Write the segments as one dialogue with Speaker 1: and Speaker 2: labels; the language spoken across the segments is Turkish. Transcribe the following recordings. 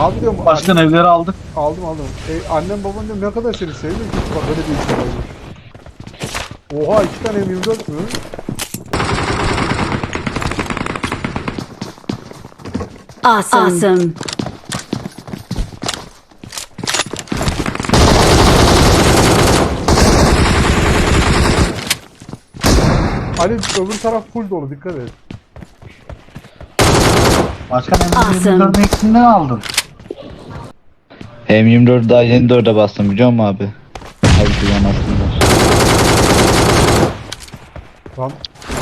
Speaker 1: Abi diyorum
Speaker 2: Başkan evleri aldık.
Speaker 1: aldım. Annem baban diyorum ne kadar seni seviyor ki bak böyle bir isim olmuş. Oha 2 tane M24 mü?
Speaker 3: Awesome.
Speaker 1: Ali öbür taraf full dolu dikkat et.
Speaker 2: Başkan
Speaker 3: Awesome.
Speaker 2: evleri eksinden aldın.
Speaker 4: M24 daha yeni 4'e bastım biliyor musun abi? Abi güven aslında.
Speaker 1: Lan.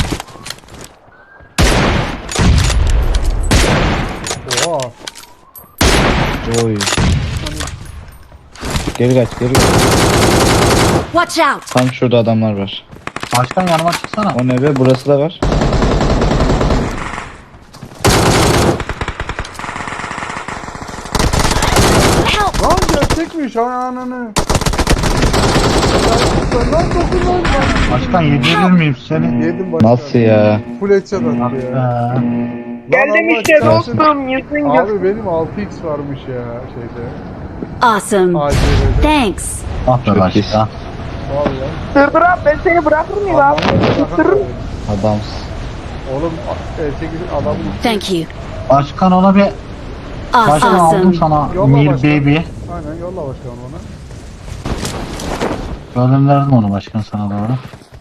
Speaker 1: Oha.
Speaker 4: Oy. Geri kaç geri kaç.
Speaker 3: Watch out.
Speaker 4: Tam şurada adamlar var.
Speaker 2: Başkan yanıma çıksana.
Speaker 4: O ne be, burası da var.
Speaker 3: Help.
Speaker 1: Lan gerçekmiş ananı. Lan dokun lan.
Speaker 2: Başkan yedirir miyim seni?
Speaker 1: Yedim başka.
Speaker 4: Nasıl ya?
Speaker 1: Full headshot attı
Speaker 2: Ah
Speaker 1: ya.
Speaker 2: be.
Speaker 5: Geldim
Speaker 1: Allah
Speaker 5: işte
Speaker 1: kahretsin.
Speaker 5: dostum, yüzün gör.
Speaker 1: Abi benim 6x varmış ya şeyde.
Speaker 3: Awesome.
Speaker 1: ACV'de.
Speaker 3: Thanks.
Speaker 2: Ah be
Speaker 4: Çok
Speaker 2: başkan.
Speaker 4: iyisin.
Speaker 1: Vallahi.
Speaker 5: Dur abi, ben seni bırakır mıyım abi? Isırırım.
Speaker 4: Adamsın.
Speaker 1: Oğlum 8 adamın
Speaker 3: Thank you.
Speaker 2: Başkan ona bir başkan aldım
Speaker 3: Awesome.
Speaker 2: sana.
Speaker 1: Yolla
Speaker 2: Mir
Speaker 1: başkan.
Speaker 2: baby.
Speaker 1: Aynen yolla başkanım ona.
Speaker 2: Gönderdim onu başkan sana doğru.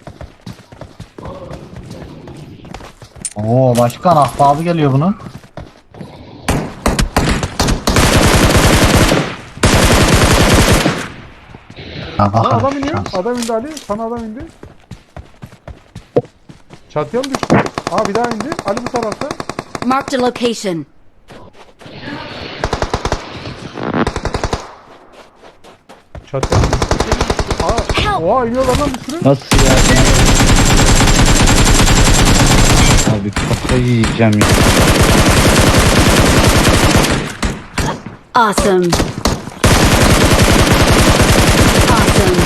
Speaker 2: Oo başkan ahbabı geliyor bunun. Ya
Speaker 1: Lan
Speaker 2: bakalım
Speaker 1: adam
Speaker 2: şu
Speaker 1: iniyor.
Speaker 2: şans.
Speaker 1: Adam indi Ali. Sana adam indi. Çatıya mı düştü? Aa bir daha indi. Ali bu tarafta.
Speaker 3: Marked a location.
Speaker 1: Çatıya mı düştü? Aa,
Speaker 3: Help.
Speaker 1: oha iniyorlar lan bir sürü.
Speaker 4: Nasıl ya? Abi kafayı yiyeceğim ya.
Speaker 3: Awesome. Awesome.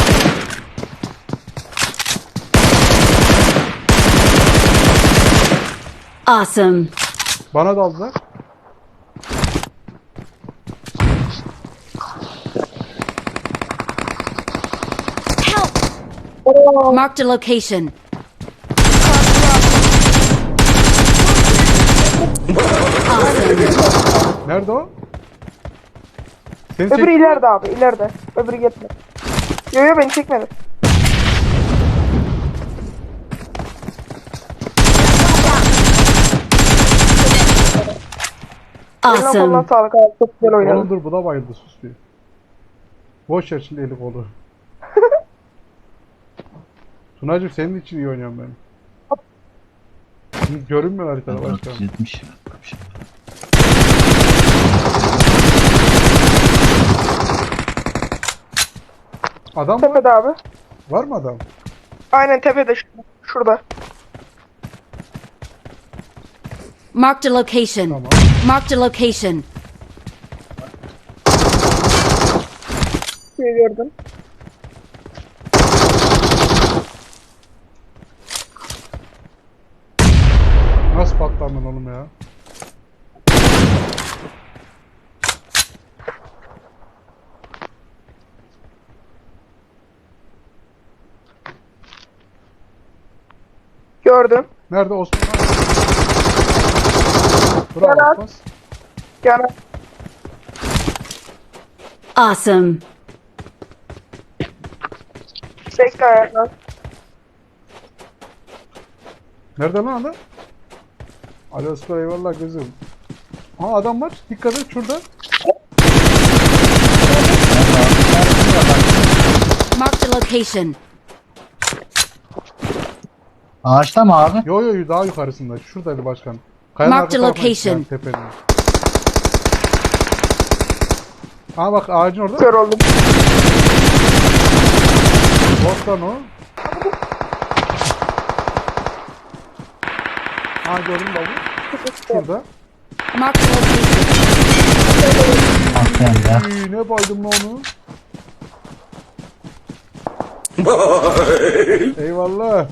Speaker 3: Awesome.
Speaker 1: Bana daldılar.
Speaker 3: Help. Marked a location. Awesome.
Speaker 1: Nerede o? Seni
Speaker 5: Öbürü
Speaker 1: çek.
Speaker 5: ileride abi, ileride. Öbürü gitme. Yo yo, beni çekmedi. Eline koluna
Speaker 3: Awesome.
Speaker 5: sağlık abi, çok güzel
Speaker 1: Oğlum
Speaker 5: oynadın.
Speaker 1: dur bu da bayıldı sus bir. Boş ver şimdi eli kolu. Tunacığım senin için iyi oynuyorum ben. Görünmüyor haritada başkanım.
Speaker 2: 470.
Speaker 1: Adam var.
Speaker 5: Tepede abi.
Speaker 1: Var mı adam?
Speaker 5: Aynen tepede, şurada.
Speaker 3: Marked a location.
Speaker 1: Tamam.
Speaker 3: Marked a location.
Speaker 5: Şurayı gördüm.
Speaker 1: Nasıl patlandın oğlum ya?
Speaker 5: Gördüm.
Speaker 1: Nerede Osman? Bravo
Speaker 5: Serhat.
Speaker 1: Osman.
Speaker 5: Yani
Speaker 3: Awesome.
Speaker 5: bekle ayaklar.
Speaker 1: Nerede lan adam? Ali Osman eyvallah gözüm. Ha adam var. Dikkat et şurada.
Speaker 3: Marked a location.
Speaker 2: Ağaçta mı abi?
Speaker 1: Yo yo yo, daha yukarısında. Şuradaydı başkan. Kayanın
Speaker 3: Mark the
Speaker 1: arka tarafına
Speaker 3: location.
Speaker 1: gitti yani, tepenin. Ha bak ağacın orada.
Speaker 5: Kör oldum.
Speaker 1: Bot lan o. Ha gördüm babu. Şurada.
Speaker 3: Marked a location.
Speaker 2: Aferin ya.
Speaker 1: Ne baydım lan onu. Eyvallah.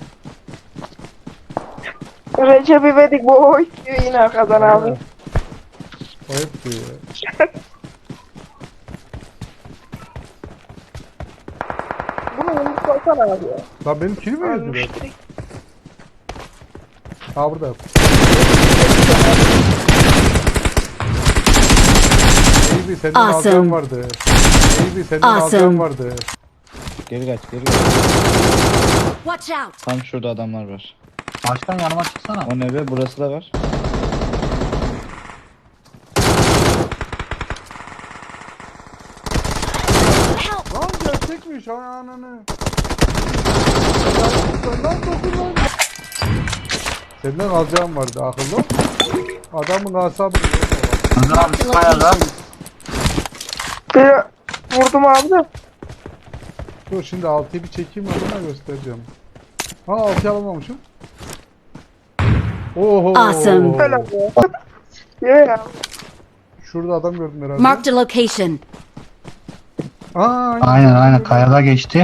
Speaker 5: Recep İvedik boy diyor yine Kazan abi.
Speaker 1: O hep diyor ya.
Speaker 5: Baksana abi ya.
Speaker 1: Lan benim kilim mi
Speaker 5: Ölmüş
Speaker 1: öldüler?
Speaker 5: direkt.
Speaker 1: Ha burada. Baby senden
Speaker 3: Awesome.
Speaker 1: alacağım vardı. Baby senden
Speaker 3: Awesome.
Speaker 1: alacağım vardı.
Speaker 4: Geri kaç geri kaç.
Speaker 3: Watch out!
Speaker 4: Tam şurada adamlar var.
Speaker 2: Başkan yanıma çıksana.
Speaker 4: O ne be, burası da var.
Speaker 1: Lan gerçekmiş ananı. Lan dokun lan. Senden alacağım vardı akıllı. Ol. Adamın asabı.
Speaker 2: Önder abi
Speaker 3: Marked
Speaker 2: şu
Speaker 3: a
Speaker 2: kayada.
Speaker 3: location.
Speaker 5: Bir vurdum abi de.
Speaker 1: Dur şimdi 6'yı bir çekeyim adına göstereceğim. Ha 6'yı alamamışım. Oho.
Speaker 3: Awesome.
Speaker 5: Helal ya. Ya.
Speaker 1: Şurada adam gördüm herhalde.
Speaker 3: Marked a location.
Speaker 1: Aa,
Speaker 2: Aynen kayada geçti.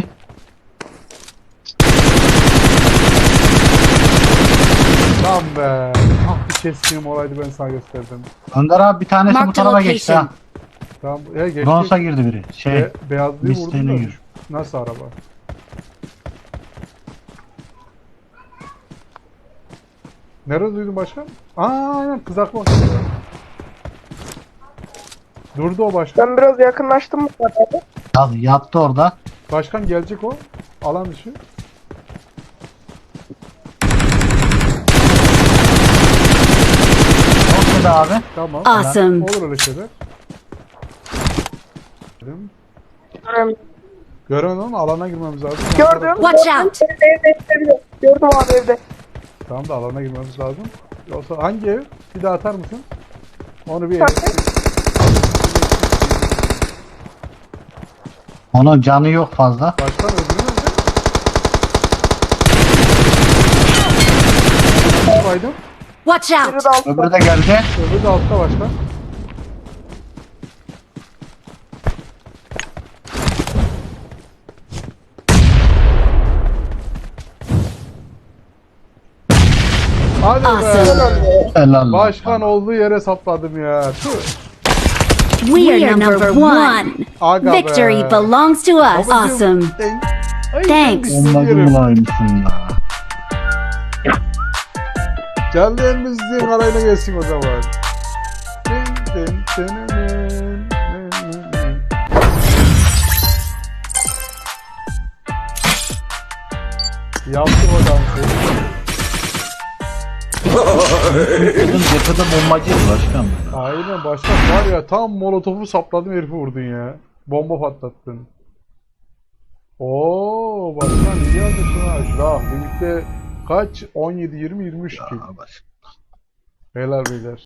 Speaker 1: Lan be. Ah bir keskinim olaydı ben sana gösterdim.
Speaker 2: Önder abi bir tanesi bu
Speaker 3: Marked a
Speaker 2: tarafa geçti ha.
Speaker 3: location.
Speaker 1: Tamam geçti.
Speaker 2: Bronz'a girdi biri. Şey
Speaker 1: Beyazlıyı vurdum
Speaker 2: listeğine
Speaker 1: da.
Speaker 2: gir.
Speaker 1: Nasıl araba? Nerede duydun başkan? Aa aynen kızaklı bak. Durdu o başkan.
Speaker 5: Ben biraz yakınlaştım mı abi?
Speaker 2: Abi yattı orada.
Speaker 1: Başkan gelecek o. Alan dışı.
Speaker 2: Çok da abi.
Speaker 1: Tamam.
Speaker 3: Awesome.
Speaker 1: Olur öyle şeyler.
Speaker 5: Gördüm.
Speaker 1: Göremedim ama alana girmemiz lazım.
Speaker 5: Gördüm.
Speaker 3: Watch
Speaker 5: gördüm.
Speaker 3: out.
Speaker 5: Evde. Gördüm abi evde.
Speaker 1: Tamam da alana girmemiz lazım. Yoksa hangi ev? Bir daha atar mısın? Onu bir ev.
Speaker 5: Tabii.
Speaker 2: Onun canı yok fazla.
Speaker 1: Başkan öldürür mü? Baydım.
Speaker 3: Watch
Speaker 5: Biri
Speaker 3: out!
Speaker 5: de altta.
Speaker 2: Öbürü de geldi.
Speaker 1: Öbürü de altta başkan. Hadi be.
Speaker 3: Awesome.
Speaker 2: Helal.
Speaker 1: Başkan olduğu yere sapladım ya. Tüh.
Speaker 3: We are number one.
Speaker 1: Aga
Speaker 3: Victory
Speaker 1: be.
Speaker 3: belongs to us.
Speaker 1: Babacım,
Speaker 3: Awesome.
Speaker 1: Ay,
Speaker 3: Thanks.
Speaker 1: sen
Speaker 2: Bombacı
Speaker 1: yerim.
Speaker 2: bulaymışsın ya.
Speaker 1: Canlı elimizin arayına gelsin o zaman. Dın dın dın dın dın dın dın. Yaptık o dansı.
Speaker 2: Kızın cephede bombacıydı başkan.
Speaker 1: Aynen başkan var ya tam molotofu sapladım herifi vurdun ya. Bomba patlattın. Oo başkan iyi yazmışsın ha. Şurada birlikte kaç? 17, 20, 23 ki.
Speaker 2: Başkan.
Speaker 1: Beyler beyler.